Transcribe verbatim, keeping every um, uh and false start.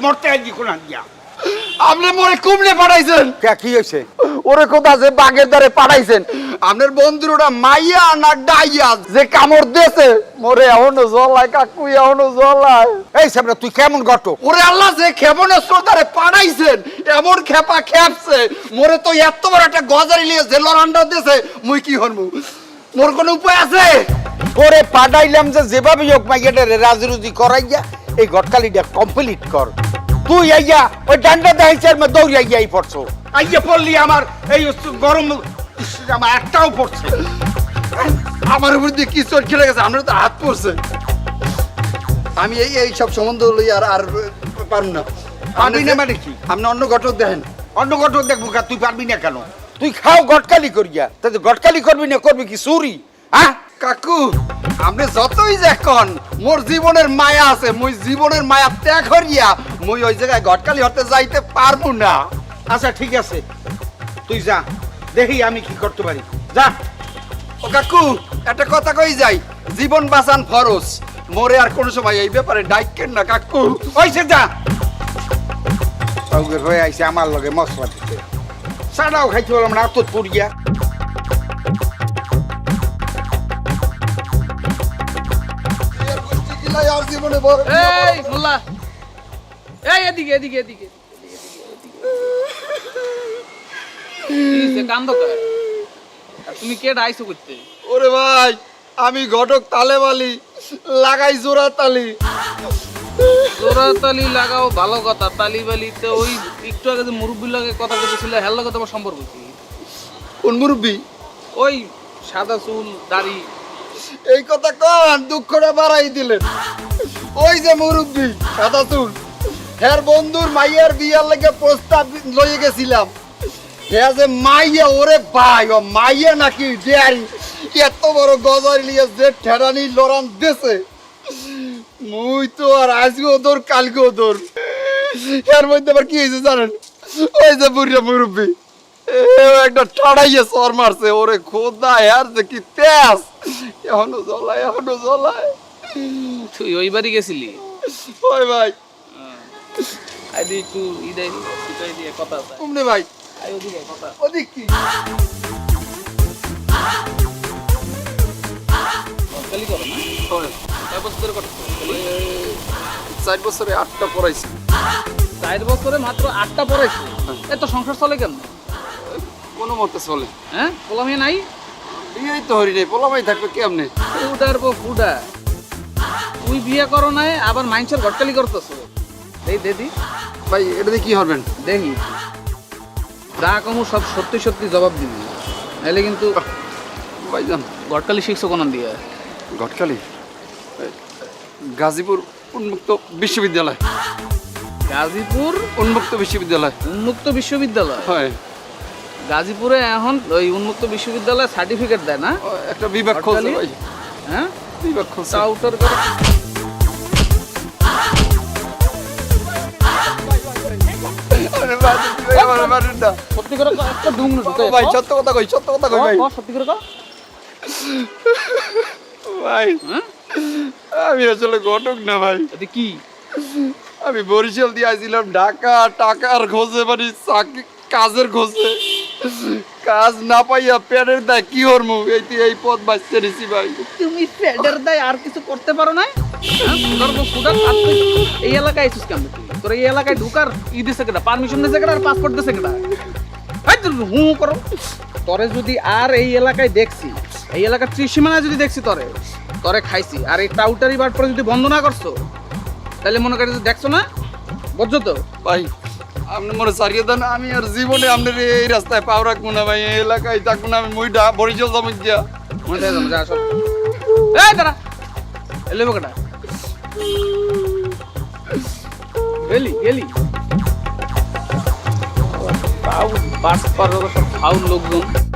মরতে আইজি কোন দিয়া আপনি মরে কুমড়ে পাঠাইছেন কে কি হইছে ওরে কোথা যে বাগের দ্বারে পাঠাইছেন আপনার বন্ধুর ওটা মাইয়া না ডাইয়া যে কামড় দিয়েছে মরে এখনো জ্বলায় কাকু এখনো জ্বলায় এই সামনে তুই কেমন ঘটক ওরে আল্লাহ যে ক্ষেপণাস্ত্র দ্বারে পাঠাইছেন এমন খেপা খেপছে মোরে তো এত বড় একটা গজারি নিয়ে যে লড়ান্ডা দিয়েছে মুই কি হরমু মোর কোনো উপায় আছে তোরে পাঠাইলাম যে যেভাবে হোক মাইয়াটারে রাজরুজি করাইয়া এই ঘটকালিটা কমপ্লিট কর তুই আইয়া ওই ডান্ডা দেখাইছে মে দৌড়ি আইয়া এই পড়ছো আইয়া পড়লি আমার এই গরম ইস, আমার একটাও পড়ছে আমার উপর দিয়ে কি চোট খেলে গেছে আমরা তো হাত পড়ছে আমি এই এই সব সম্বন্ধ লই আর আর পারুম না পারবি না মানে কি আপনি অন্য ঘটক দেখেন অন্য ঘটক দেখবো কা তুই পারবি না কেন তুই খাও গটকালি করিয়া তাই তো গটকালি করবি না করবি কি চুরি হ্যাঁ কাকু আপনি যতই দেখুন মোর জীবনের মায়া আছে মুই জীবনের মায়া ত্যাগ করিয়া মুই ওই জায়গায় ঘটকালি হতে যাইতে পারবো না আচ্ছা ঠিক আছে তুই যা দেখি আমি কি করতে পারি যা ও কাকু একটা কথা কই যাই জীবন বাঁচান ফরজ মোরে আর কোন সময় এই ব্যাপারে ডাইকেন না কাকু ওইসে যা সঙ্গে হয়ে আইছে আমার লগে মশলা দিতে সাদাও খাইতে বললাম না তোর পুরিয়া আর জীবনে বড় এই মোল্লা এই এদিকে এদিকে এদিকে কান্দ তুমি কে আইছো করতে ওরে ভাই আমি ঘটক তালেবালি লাগাই জোড়া তালি জোড়া তালি লাগাও ভালো কথা তালি বালিতে ওই একটু আগে যে মুরব্বীর লগে কথা বলতেছিল হেল লগে তোমার সম্পর্ক কি কোন মুরব্বী ওই সাদা চুল দাড়ি এই কথা কন দুঃখটা বাড়াই দিলেন ওই যে মুরব্বী সাদা চুল হ্যার বন্ধুর মাইয়ার বিয়ার লাগে প্রস্তাব লইয়ে গেছিলাম হ্যাঁ যে মাইয়া ওরে ভাই ও মাইয়া নাকি ডেয়ারি এত বড় গজারি নিয়ে যে ঠেরানি লড়ান দেশে মুই তো আর আজকেও দৌড় কালকেও দৌড় এর মধ্যে আবার কি হয়েছে জানেন ওই যে বুড়িয়া মুরব্বী একটা ঠাড়াইয়ে সর মারছে ওরে খোদা আর যে কি তেজ এখনো জ্বলায় এখনো জ্বলায় তুই ওই বাড়ি গেছিলি ওই ভাই আইদি একটু ইদাই সিটাই দিয়ে কথা আছে কুমনে ভাই আই ওদিকে কথা ওদিক কি কালি করো না কয় বছর ধরে করছো চার বছরে আটটা পড়াইছি চার বছরে মাত্র আটটা পড়াইছো এত সংসার চলে কেন কোনো মতে চলে হ্যাঁ পোলামে নাই বিয়েই তো হরি নেই পোলামাই থাকবে কেমনে ফুডার বো ফুডা তুই বিয়ে করো নাই আবার মাইন্সের ঘটকালি করতেছো এই দেদি ভাই এটা দিয়ে কি হবেন দেখি যা কমু সব সত্যি সত্যি জবাব দিবি নাহলে কিন্তু ভাইজান ঘটকালি শিখছো কোন দিয়ে ঘটকালি গাজীপুর উন্মুক্ত বিশ্ববিদ্যালয় গাজীপুর উন্মুক্ত বিশ্ববিদ্যালয় উন্মুক্ত বিশ্ববিদ্যালয় হয় গাজীপুরে এখন ওই উন্মুক্ত বিশ্ববিদ্যালয় সার্টিফিকেট দেয় না ও, একটা বিভাগ খোঁজে ঘটকালি? ভাই হ্যাঁ বিভাগ খোঁজে টাউটার করে আরে ভাই, তুই আমার মারেন না। সত্যি করে কও, একটা ডুংনো ঢুকে ও ভাই সত্য কথা কই সত্য কথা কই ভাই সত্যি করে কও ভাই হ্যাঁ আমি আসলে ঘটক না ভাই এতে কি আমি বরিশাল দিয়ে আসছিলাম ঢাকা টাকার খোঁজে মানে চাকরি কাজের খোঁজে কাজ না পাইয়া পেটের দেয় কি হরমু এই তো এই পথ বাঁচতে নিছি ভাই তুমি ফেডার দায় আর কিছু করতে পারো না ধরবো ফুটার আর তুই এই এলাকায় আইছিস কেন তুই তোর এই এলাকায় ঢুকার ই দিছে কেটা পারমিশন দিছে কেটা আর পাসপোর্ট দিছে কেটা এই তুই হু হু করো তরে যদি আর এই এলাকায় দেখছি এই এলাকার ত্রিসীমানায় যদি দেখছি তরে তরে খাইছি আর এই টাউটারি বার পরে যদি বন্ধ না করছো তাহলে মনে করি দেখছো না বুঝছো তো ভাই আপনি মনে সারিয়ে দেন আমি আর জীবনে আপনার এই রাস্তায় পাও রাখবো না ভাই এই এলাকায় থাকবো না আমি মুইটা বরিশাল জমি দিয়া মনে থাকে যা সব এই দাঁড়া এলে কেটা গেলি গেলি ফাউল বাস পার সব ফাউল লোকজন